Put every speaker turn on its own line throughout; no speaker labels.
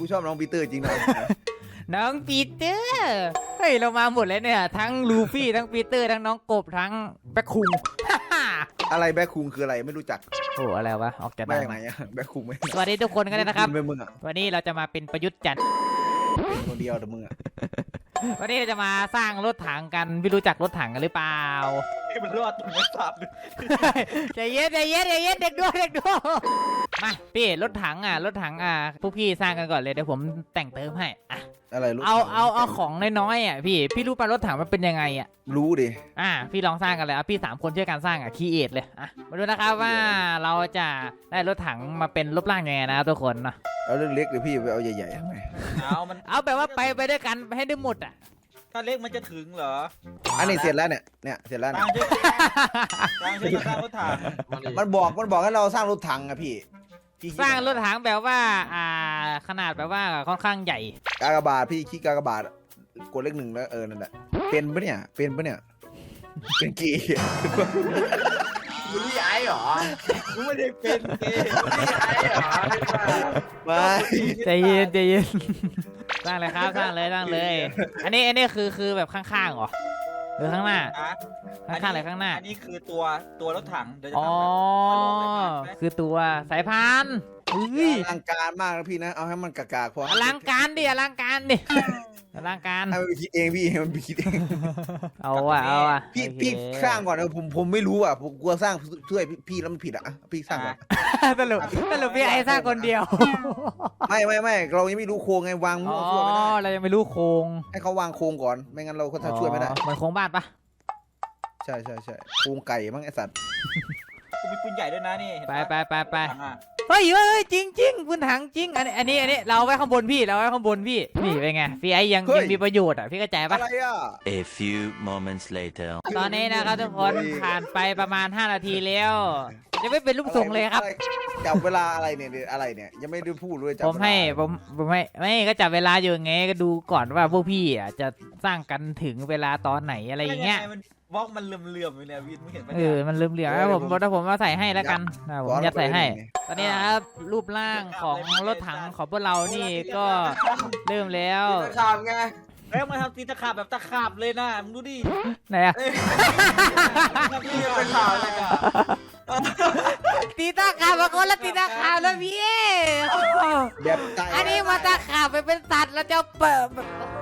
กูชอบน้องปีเตอร์จริงนะ
น้องปีเตอร์เฮ้ยเรามาหมดเลยเนี่ยทั้งลูฟี่ทั้งปีเตอร์ทั้งน้องกบทั้งแบ็คคุง
อะไรแบ็คคุงคืออะไรไม่รู้จัก
โอ้อะไรวะออกจาก
มา
ดัง
จากไหนอะแบ็คคุงไม่
สวัสดีทุกคนกันเลยนะครับ
เป็นมึงอะ
วันนี้เราจะมาเป็นประยุทธ์จันทร์
เป็นคนเดียวแต่มึงอะ
วันนี้เราจะมาสร้างรถถังกันพี่รู้จักรถถังกันหรือเปล่า
มันรอดตรงไม่สับเลย
ใจเย็นใจเย็นใจเย็นเด็กด้วยเด็กด้วยมาพี่รถถังพวกพี่สร้างกันก่อนเลยเดี๋ยวผมแต่งเติมให้อ่ะ
อะไรรู้
เอาของน้อยๆอ่ะพี่รู้ป่ะรถถังมันเป็นยังไงอ่ะ
รู้ดิ
พี่ลองสร้างกันเลยพี่3 คนช่วยกันสร้างคีเอทเลยมาดูนะครับว่าเราจะได้รถถังมาเป็นรูปร่างยังไงนะทุกคนเนาะ
เอาเรื่องเล็กหรือพี่ไปเอาใหญ่ๆทำไม
เอาแบบว่าไปด้วยกันให้ได้หมดอ่ะ
ถ้าเล็กมันจะถึงเหรอ
อันนี้เสร็จแล้วเนี่ยเสร็จแล้ว
ตั
เนี่ย
งช่วยตังช่วยสร้างรถถัง
มันบอกให้เราสร้างรถถังอะพี่
สร้างรถถังแบบว่าขนาดแบบว่าค่อนข้างใหญ่
กากบาทพี่ขี้กากบาทกดเลข 1แล้วนั่นแหละเป็นปะเนี่ยเป็นกี่
มึงไอ้เหรอ
กูไม่ได้เป็นเกย์
ไอ้เหรอ
ไม่
ใจเย็นใจเย็นสร้างเลยครับสร้างเลยอันนี้คือแบบข้างๆเหรอหรือข้างหน้า ข้างๆเลยข้างหน้า
อันนี้คือตัวรถถังเดี๋ยวจะ
อ๋อ
ทำ
คือตัวสายพานอุ้ย
อลังการมากนะพี่นะเอาให้มันกากๆพอ
อลังการดิอลังการดิอลังการ
ให้มันไปคิดเองพี่ให้มันไปคิดเอง
เอาอ่ะ
พี่
โอเค
พี่สร้างก่อนผมไม่รู้อ่ะผมกลัวสร้างช่วยพี่แล้วมันผิดอ่ะพี่สร้างก่อน
สรุปพี่ไอ้สร้างคนเดียว
ไม่เรายังไม่รู้โครงไงวางมั่
อ๋
ว
อ
ช่วยไม่ได้
เรายังไม่รู้โครง
ให้เขาวางโครงก่อนไม่งั้นเราก็ถ้าช่วยไม่ได้
เหมือนโครงบ้านปะ
ใช่โครงไก่มั้งไอสัตว์
กูมีปืนใหญ่ด้วยนะนี่เห็น
ไป
ปะ
ไป
ถังอะ
เฮ้ยจริงพื้นถังจริงอันนี้เราไว้ข้างบนพี่เราไว้ข้างบนพี่นี่เป็นไงพี่ไอ้ยังมีประโยชน์อ่ะพี่เข้าใจปะ
อะไรอ่ะ
A few moments later.
ตอนนี้นะครับทุกคนผ่านไปประมาณ5 นาทีแล้วยังไม่เป็นรูปทรงเลยครับ
จับเวลาอะไรเนี่ยยังไม่ได้พูดเลยจับ
ผมไม่ก็จับเวลาอยู่ไงก็ดูก่อนว่าพวกพี่อ่ะจะสร้างกันถึงเวลาตอนไหนอะไรอย่างเงี้ย
มันบล็อกมันเหลื่อมๆอยู่เนี่ยวินมึงเห็นปะ
มันลืมเหลือแล้วผมมาใส่ให้แล้วกันผมยัดใส่ให้ ตอนนี้นะครับรูปร่างของรถถังของพวกเรานี่ก็เริ่มแล้ว
ทำไง
แล้วมาทำตีตะขาบแบบตะขาบเลยนะมึงดูดิ
ไหนอะ
นี่เป็นข่าวอะไรกัน
ตีตาขาบมาคนละตีตาขาบแล้วพี่
แบบใจ
อันนี้มาตาขาบไปเป็นสัตว์แล้วจะเปิด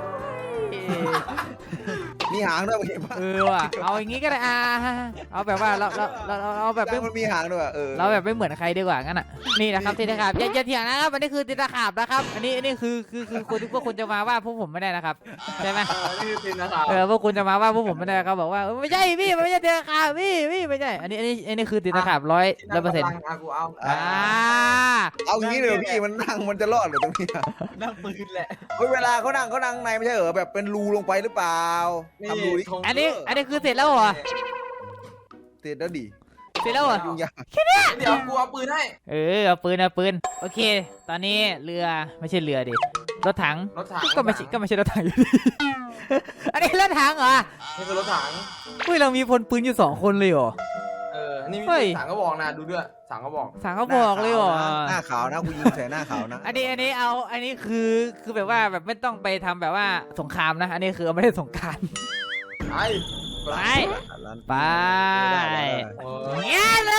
มีหางด้วยเห็นปะ
ว่ะเอาอย่างงี้ก็ได้เอาแบบว่าเราแบบไม่
มันมีหางด้วย
เราแบบไม่เหมือนใครดีกว่างั้นอ่ะนี่นะครับตีตาขาบอย่าเถียงนะครับอันนี้คือตีตาขาบนะครับอันนี้คือคนที่พวกคุณจะมาว่าพวกผมไม่ได้นะครับใช่ไหม
นี่เป็นนะครับ
พวกคุณจะมาว่าพวกผมไม่ได้เขาบอกว่าไม่ใช่พี่มันไม่ใช่ตีตาขาบพี่ไม่ใช่อันนี้คือตีตาขาบ100%
กูเอา
เอางี้เลยพี่มันนั่งมันจะรอดหรือตรงนี้
นั่งปืนแหละ
เวลาเขานั่งในไม่ใช่เหรอแบบเป็นรูลงไปหรือเปล่าทำรูดิ
อันนี้คือเสร็จแล้วเหรอ
เสร็จแล้วดิ
เสร็จแล้วเหรอ
ยุ่งยาก
เดี๋ยวกูเอาปืนให้
เอาปืนโอเค ตอนนี้เรือไม่ใช่เรือดิรถถังก็ไม่ใช่รถถังอยู่ดีอันนี้รถถังเหรอ
นี่คือรถถัง
เรามีพลปืนอยู่2 คนเลยเหรอ
นี่มีถังก็บอกนะดูด้วยถังก็บอก
สั่งเขาบอกเลยเหรอ
หน้าขาวนะกูยิงใส่หน้าขาวนะ
อันนี้คือแบบว่าแบบไม่ต้องไปทำแบบว่าสงครามนะอันนี้คือไม่ได้สงคราม
ไอ้
ไปเงี้ย
ได้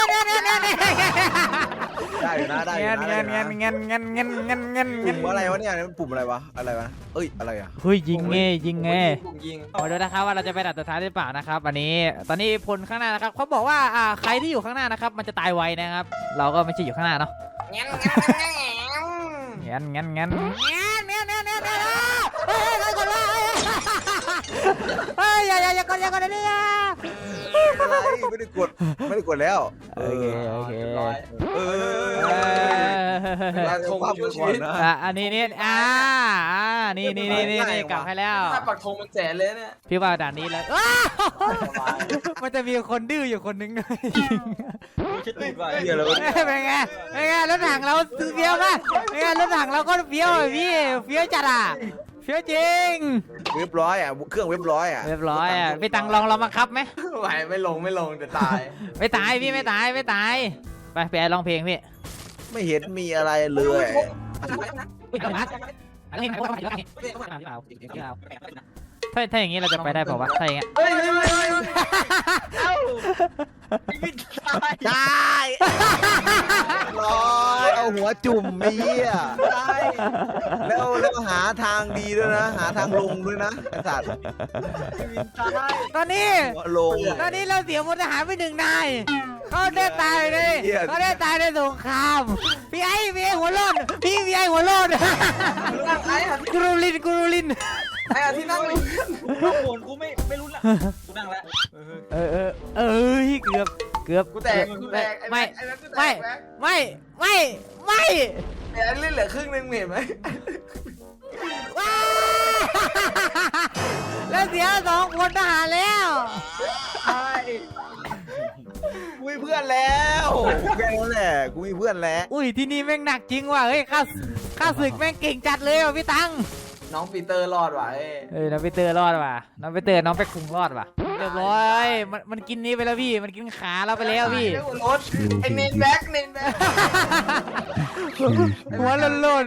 อยู่นะได้อยู่นะ ปุ่มอะไรวะเนี่ยปุ่มอะไรวะเอ้ยอะไรอ่ะ
เฮ้ยยิงไง
ยิง
มาดูนะครับว่าเราจะไปดัดสุดท้ายหรือเปล่านะครับอันนี้ตอนนี้พลข้างหน้านะครับเขาบอกว่าใครที่อยู่ข้างหน้านะครับมันจะตายไวนะครับเราก็ไม่ใช่อยู่ข้างหน้าเนาะงั้นเฮ้ยอย่ากดเลยเนี่ย
อะไรไม่ได้กดแล้ว
โอเค
แล้วคงช่วยชีวิต
อันนี้นี่กลับให้แล้ว
ถ้าปักธงมันแสนเลยเนี่ย
พี่ว่าด่านนี้แล้วมันจะมีคนดื้ออยู่คนนึงด้วย
ชิดติดไว้
เป็นไงรถถังเราเฟี้ยวมากเป็นไงรถถังเราก็เฟี้ยวพี่เฟี้ยวจัดเฟี้ยวจริง
เว็บร้อยอ่ะเครื่องเว็บร้อยอ่ะ
เรียบร้อยพี่ตังลองเรามาครับไหม
ไหวไม่ลงเดี๋ยวตาย
ไม่ตายพี่ไม่ตายไปไอ้ร้องเพลงพี่
ไม่เห็นมีอะไรเลย
ถ้าอย่างนี้เราจะไปได้เปล่าวะถ้าอย่างเงี้ย
เฮ้ย
วินตาย
ได้ร้อยเอาหัวจุ่มนี่อ่ะแล้วหาทางดีด้วยนะ หาทางลงด้วยนะไอ้สัตว์
วินตาย
ตอนนี้
หัวลง
ตอนนี้เราเสียพลทหารไป1 นายเขาได้ตายเลย
เหี้ย
เขาได้ตายในสงครามพี่ไอ้หัวโลดพี่ไอ้หัวโลด
นั่งไอ้อะ
กูรูลิน
ไอ้อะที่นั่งอยู่
น้องโหนกูไม่รู้ละกูนั่งแล้ว
เกือบ
กูแตกไอ้นั่นกูแตก
ไม่
ไอ้นั่นเล่นเหลือครึ่งนึงเห็นไหม
ว้าแล้วเสีย2 พลทหารแล้ว
ใช่
กูมีเพื่อนแล้วแค่นั้นแหละกูมีเพื่อนแล้ว
อุ้ยที่นี่แม่งหนักจริงว่ะเฮ้ยข้าศึกแม่งเก่งจัดเลยว่ะพี่ตัง
น้องปีเตอร์รอดว่ะ
น้องไปเตอร์รอดว่ะน้องไปเตอร์น้องไปคุงรอดว่ะเรียบร้อยมันกินนี้ไปแล้วพี่มันกินขาเราไปแล้วพี่
รถไอ้เนนแบ็ก
หัวโลน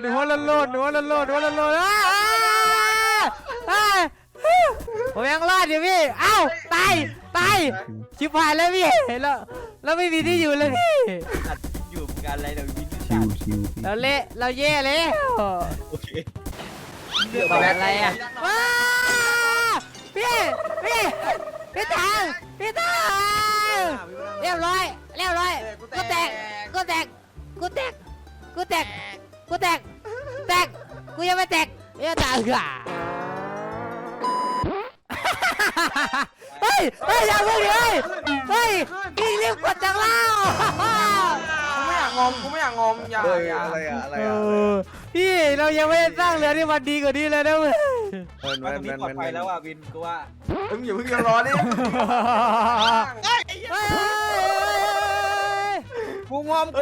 ผมยังรอดอยู่พี่เอ้าตายชิบหายแล้วพี่แล้วไม่มีที่อยู่เลยพี่
อยู่เหมือนกันอะไรเดี๋ยววิน
ชิวชิว
เราแย่แล้ว
โอเค
อะไรอ่ะว้าพี่ตังเรียบร้อยกูแตกกูยังไม่แตกเฮ้ยอย่าเพิ่งเลยเฮ้ยพี่รีบกดจังเล่า
กูไม่อยากงอมอย่า
อะไรอะ
พี่เรายังไม่ได้สร้างเรือที่มันดีกว่านี้เลยนะเว้ย
ว่าตรงนี้ปลอดภัยแล้วอ่ะวินกูว่า
มึงอย่าเพิ่งรอดิ
กูงอมกู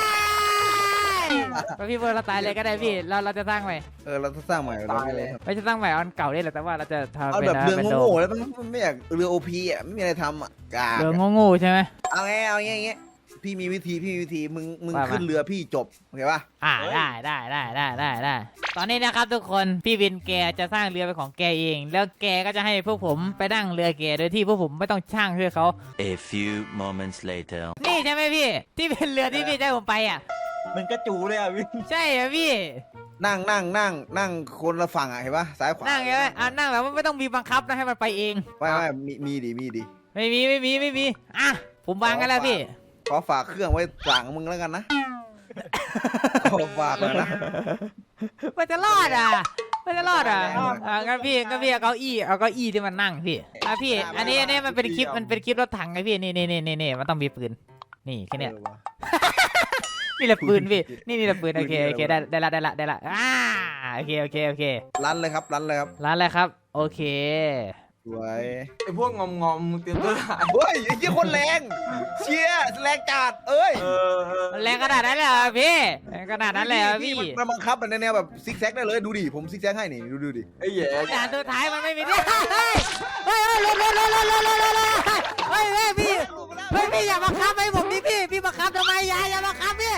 พี่เบิร์ดเราตายเลยก็ได้พี่เราจะสร้างใหม่
เราต้องสร้างใหม่
ไม่จะสร้างใหม่อันเก่าได้แหละแต่ว่าเราจะทำ
เอา
เป็น
แบบเรือ
เป็น
โง่ๆแล้วมันไม่อยากเรือโอพีอ่ะไม่มีอะไรทำอ่ะกา
เรือโง่ๆใช่ไหม
เอาไงพี่มีวิธีมึง
ว่ามา
ขึ้นเรือพี่จบโอเคป่ะ
ได้ตอนนี้นะครับทุกคนพี่วินแกจะสร้างเรือเป็นของแกเอง แล้วแกก็จะให้พวกผมไปนั่งเรือแกโดยที่พวกผมไม่ต้องช่างช่วยเขา
A few moments later.
นี่ใช่ไหมพี่ที่เป็นเรือที่พี่จะให้ผมไปอ่ะ
มันกระจูเลยอ่ะวิน
ใช่เหรอพี่
นั่งคนละฝั่งอ่ะเห็นป่ะซ้ายขวา
นั่งไงนั่งแบบว่าไม่ต้องมีบังคับนะให้มันไปเอง
ไม่มีดิ
ไม่มีอ่ะผมวางกันแล้วพี่
ขอฝากเครื่องไว้หลังมึงแล้วกันนะขอฝากเลยนะ
มันจะรอดอ่ะงั้นพี่เอาเก้าอี้ที่มันนั่งพี่พี่อันนี้มันเป็นคลิปรถถังไงพี่นี่มันต้องมีปืนนี่แค่เนี้ยนี่แหละปืนพี่นี่แหละปืนโอเคได้ละโอเค
รันเลยครับ
ร้านอะไรครับโอเค
สวย
ไอ้พวกงอมมึงเตรียมตัวถ่าย
เฮ้ยไอ้เหี้ยคนแรงเชียร์แรงจัดเอ้ย
มันแรงขนาดนั้นเลยเหรอพี่แรงขนาดนั้นเลยเหรอพี่
มันบังคับในแนวแบบซิกแซกได้เลยดูดิผมซิกแซกให้นี่ดูดิ
ไอ้แย่
ด่านสุดท้ายมันไม่มีที่เฮ้ยลงเฮ้ยพี่อย่าบังคับให้ผมดิพี่บังคับทำไมอย่าบังคับพี่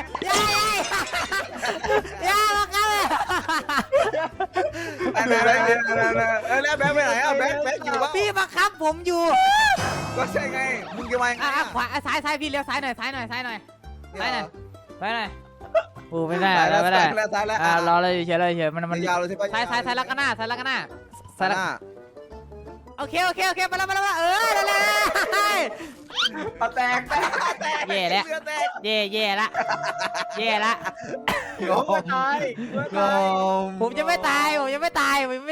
อย่าบังคับ
แบงค์ไปไหนอ่ะแบงค์อยู่วะ
พี่บังคับผมอยู่
ก็ใช่ไงมึงจะมา
ขวาซ้ายพี่เลี้ยวซ้ายหน่อยโอ้ไม่ได้ไม่ได้
ซ้ายแล้ว
รอเลยเฉยมัน
ยาวเลยใช่ปะ
ซ้ายแล้วก็หน้าโอเคมาแล้วนั่นแหละ
แตก
แย่ละ
งอ
ตาย
ผมจะไม่ตาย
งอ
ผมยังไม่ตายผม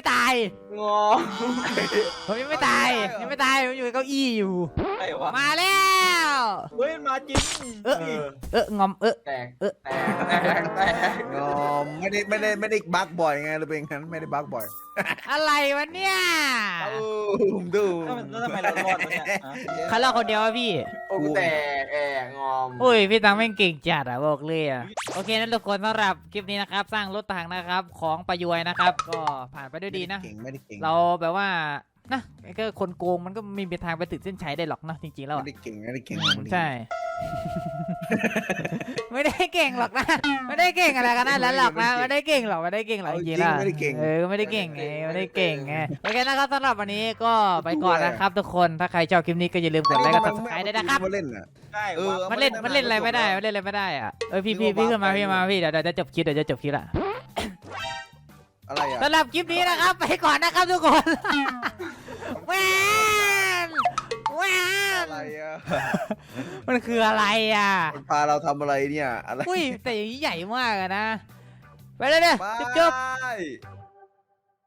อยู่ในเก้าอี้อยู่
ไอ้วะ
มาแล้ว
เฮ้ยมาจริง
งอม
แตก
งอไม่ได้บักบ่อยไงหรือเป็นงั้นไม่ได้บักบ่อย
อะไรวะเนี่ย
ดู
แล้วทำไมเรารอดวะเนี่ย
เขาเล่าคนเดียววะพี่
โอ้กูแตกงอม
อุ้ยพี่ตังแม่งเก่งจัดบอกเลยโอเคนั่นทุกคนสำหรับคลิปนี้นะครับสร้างรถถังนะครับของประยวยนะครับก็ผ่านไปด้วยดีนะ
ไม่ได้เก่ง
เราแบบว่านะก็คนโกงมันก็ไม่มีทางไปถึงเส้นชัยได้หรอกนะจริงๆแล้ว
ไม่
อะ
ได้เก่งไม่ได้เก่ง
ใช่ ไม่ได้เก่งหรอกนะไม่ได้เก่งอะไรกันนั่นแล้วหรอกนะไม่ได้เก่งหรอกไม่ได้เก่งหรอกจริงๆแล้ว
ไม่ได้เก่ง
ไม่ได้เก่งไงไม่ได้เก่งไงโอเคนะครับสำหรับวันนี้ก็ไปก่อนนะครับทุกคนถ้าใครชอบคลิปนี้ก็อย่าลืมกดไลค์กด subscribe ด้วยนะครับ
มาเล่นอ่ะ
ใช่
มันเล่นอะไรไม่ได้มันเล่นอะไรไม่ได้อ่ะพี่ขึ้นมาพี่เดี๋ยวจะจบคลิปละ
อะไรอ่ะ
สำหรับคลิปนี้นะครับไปก่อนนะครับทุกคนแหวนแหวน
อะไรอ่ะ
มันคืออะไรอ่ะ
มันพาเราทำอะไรเนี่ยอะไร
อุ้ยแต่อย่างนี้ใหญ่มากอะนะไปเลยเนี่ย
บาย
จบ